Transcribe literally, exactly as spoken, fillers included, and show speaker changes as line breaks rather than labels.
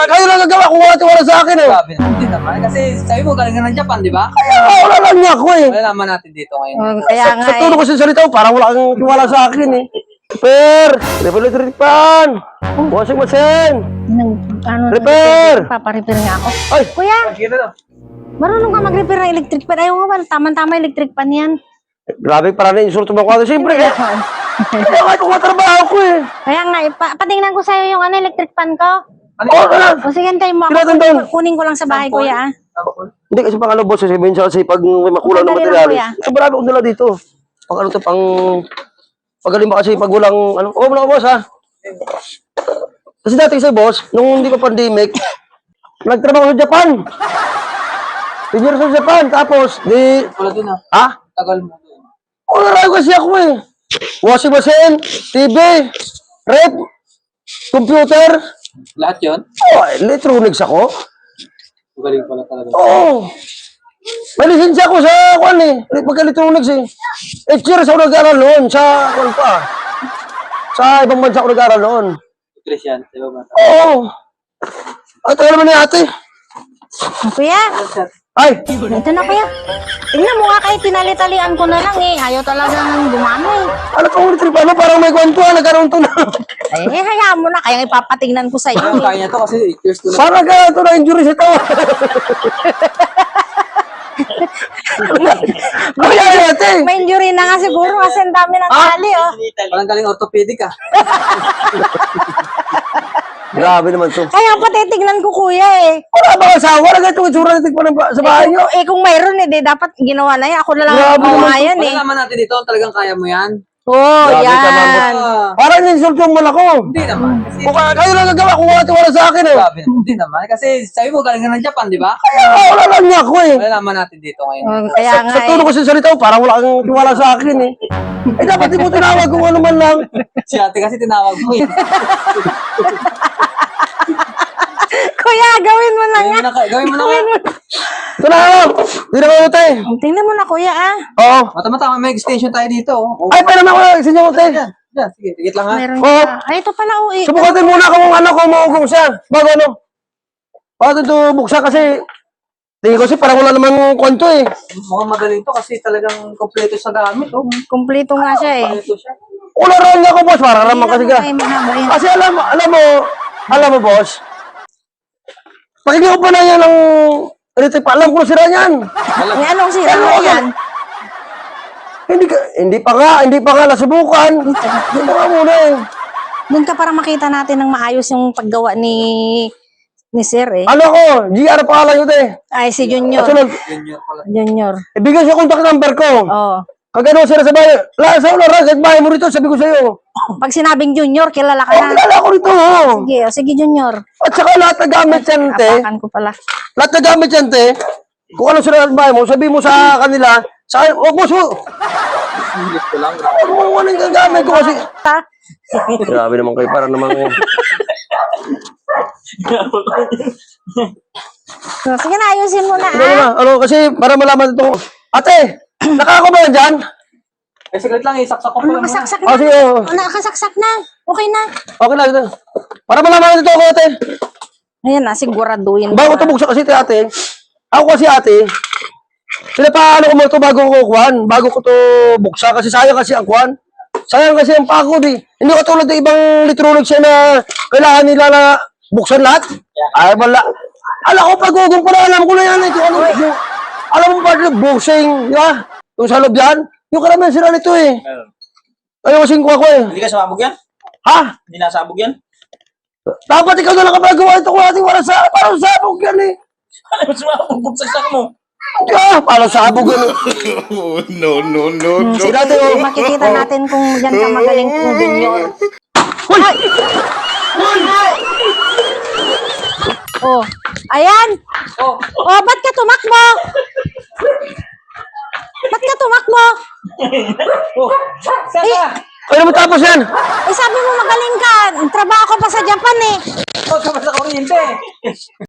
Kayo lang nagawa kung wala tiwala sa akin eh.
Grabe na. Hindi naman. Kasi sabi mo galing ka ng Japan, di ba?
Ah, wala lang niya ako eh.
Wala naman natin dito ngayon.
Oh, kaya nga
Sa tono
eh.
ko sa salita mo, parang wala kang tiwala sa akin eh. Repair! Repair pan! Washing machine!
Nang, ano,
Repair!
Paparepair nga ako.
Ay!
Kuya,
Sige na.
marunong ka mag-repair ng electric pan. Ayaw nga ba, tama-tama electric pan yan.
Grabe, parang na-insulto mo ako. Siyempre eh. Kaya kahit kung matrabaho ko eh.
Kaya nga, eh, pa patingnan ko sa'yo yung ano, electric pan ko.
Ano
Oo,
yun?
ano?
O sige, antayin mo ako.
Tinatanong.
Kunin, ko- kunin ko lang sa bahay,
Sample?
kuya. Ah.
Sample?
Hindi kasi pang ano boss, sasabihin siya kasi pag may makulang na
Madali lang,
materialis.
kuya.
Ito marami akong dala dito. Pag ano to, pang... Pagaling ba kasi pag walang ano... Oo, muna boss ha. Kasi dati kasi boss, nung hindi pa pandemic, nagtrabaho sa Japan. Engineer sa Japan, tapos di...
Wala din ah.
Ha?
Tagal mo doon.
Oo, narayo kasi ako eh. Washing machine, T V, rep, computer.
Lahat yun?
Oh, electronics ako.
Galing pala talaga.
Oo. May lisensya ako sa kwan eh. Pagka-electronics eh. Eight years ako nag-aaral noon sa kwan pa. Sa ibang bansa ako nag-aaral noon.
Christian, di ba ba?
Oo. Ay, tayo naman ni ate.
Kuya,
Ay,
ito na kuya. Tingnan mo nga kayo, tinali-talian ko na lang eh. Ayaw talagang gumano eh.
ano pang ulit trip? Ano? Parang may kwan to ah. Nagkaroon to na.
Eh, hayaan mo na. Kaya ipapatingnan ko sa iyo.
Ayun,
Eh.
kaya niya to kasi eight years to na.
Parang ka to na injury sa ito. Ano yan ate?
May injury na nga siguro kasi ang dami ng tali oh.
Parang galing orthopedic ah.
Grabe naman to.
Kaya pa titignan ko kuya eh.
Wala ba asawa? Wala ganito itsura natin pa ng ba- sa bahay
Eh
niyo?
kung, eh, kung mayroon eh, di, dapat ginawa na yan. Ako na lang
Grabe
gumawa
naman.
yan eh.
Wala naman natin dito, talagang kaya mo yan.
Oo, oh,
Grabe ka naman.
yan.
Ah,
Parang insulto mo ako.
hindi naman. Kasi,
Kung ka- kayo lang nagawa kung wala tiwala sa akin eh.
grabe naman. Hindi naman. Kasi sabi mo galing ka ng Japan, di ba?
Ah, wala lang niya ako eh.
Wala naman natin dito ngayon.
Oh, kaya nga
Sa
eh.
tono ko sa salita mo, parang wala kang tiwala sa akin eh. Eh dapat di mo tinawag kung ano man lang.
Si ate kasi tinawag mo eh.
Kuya, gawin mo na
Gawin
nga.
mo na, ka- gawin mo na nga.
Ito na ako. Hindi na kayo tayo.
Tingnan mo na kuya ah.
Oo.
Mata-mata, may extension tayo dito. Oh.
Ay, pwede naman ako. Sinyo mo tayo.
Yan, yan. Sige, tigit lang ha.
Meron
Oo.
ka. Ay, ito pala oh eh.
Subukatin muna kung ano kung maugong siya. Bago ano. Bago ito buksan kasi tingin ko kasi parang wala namang kwento eh.
Mukhang magaling to kasi talagang kompleto sa gamit. Oh.
Kumpleto nga siya eh.
Kompleto siya.
Wala rin niya ako boss. Parang naman kasi ka.
Ay, mahaba yun.
Kasi alam mo, alam mo, alam mo boss. Pakinggan ko pa na yan ng electric pa. Alam ko na sira niyan.
May anong sira
Ano
na
ka?
yan?
Hindi ka, hindi pa nga, hindi pa nga nasubukan. Hindi pa nga muna eh.
Doon ka para makita natin ng maayos yung paggawa ni ni Sir eh.
Ano ko, G R pangalan ko eh.
Ay, si Junior.
Sunod,
Junior pala.
Junior.
ibigay siya contact number ko.
Oh.
Kagano sila sa bahay. La, sa ulo, kahit bahay mo rito, sabi ko sa'yo.
Pag sinabing Junior, kilala ka
Oh,
na.
kilala ko rito. Oh.
Sige, oh, sige Junior.
At saka lahat na gamit yan, te.
Apakan ko pala.
Lahat na gamit yan, te. Kung ano sila sa bahay mo, sabi mo sa kanila, sa akin, oh, boss, oh.
English ko lang. Grabe.
Kung ano yung gamit ko kasi.
Ta?
Grabe naman kayo, parang naman eh.
So, sige na, ayusin mo na
Ano
ah.
na, ano, kasi para malaman ito. Ate, nakako ba yan dyan?
Eh, saglit lang, isaksak ko pa
Oh,
lang. muna.
nakasaksak na.
Oh, sige, oh.
Oh, nakasaksak na. Okay na.
Okay na, ito. Para malaman ito ako, ate.
Ayan na, siguraduhin.
Bago ito buksan kasi ito, ate. Ako kasi, ate. Pinapaano ko mo ito bago ko kukuhan. Bago ko ito buksan. Kasi sayang kasi ang kuhan. Sayang kasi ang pako, di. Hindi ko tulad ng ibang electronics yan na kailangan nila na buksan lahat. Ay, wala. Alam ko, pag-ugong ko na, alam ko na yan. Ito, ano, yung, alam mo ba, buksing, ya? Yung sa loob yan. Yung karamihan sila nito eh. Ayaw kasing ko ako eh.
Hindi ka sabog yan?
Ha?
Hindi nasabog yan?
Dapat ikaw na lang kapagawa ito kung ating wala sa, parang sabog yan eh.
Ano mo sumabog? Bugsak mo.
Ah, parang sabog yan eh.
Oh, no, no, no, no.
Sila ito oh.
Makikita natin kung yan ka magaling kung Junior.
Hoy!
Oh, ayan.
Oh,
Oh, ba't ka tumakbo? Ba't ka tumakbo?
oh. Saan ka?
Ano mo tapos yan?
Eh, sabi mo magaling ka. Trabaho ka pa sa Japan eh.
Huwag ka pa sa kuryente.